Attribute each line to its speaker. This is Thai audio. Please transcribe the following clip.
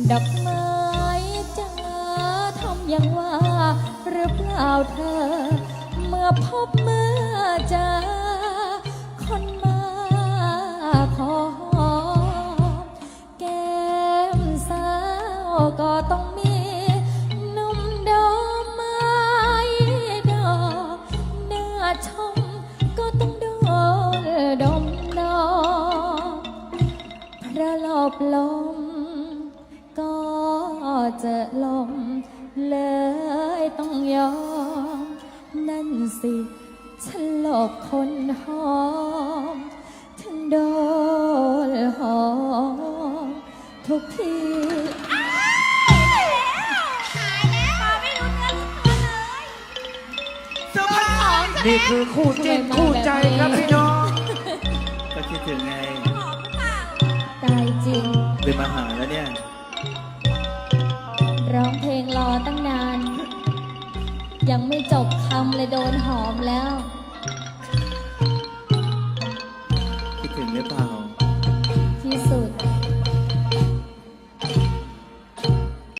Speaker 1: ดอกไม้จะทำอย่างว่าหรือเปล่าเธอเมื่อพบเมื่อเจอคนมาขอหอมแก้มสาวก็ต้องมีหนุ่มดอกไม้ดอกหน้าชมก็ต้องโดนดมดอกพระหลบลมก็จะลมเลยต้องยอมนั่นสิฉันหลบคนหอมถึงโดนหอมทุกที
Speaker 2: นี่คือคู่จิ้นคู่ใจครับพี่น้องก็คิดถึงไง
Speaker 1: ตายจริง
Speaker 2: เป็นมาหาแล้วเนี่ย
Speaker 1: ร้องเพลงรอตั้งนาน ยังไม่จบคำเลยโดนหอมแล้ว
Speaker 2: คิดถึงหรือเปล่า
Speaker 1: ที่สุด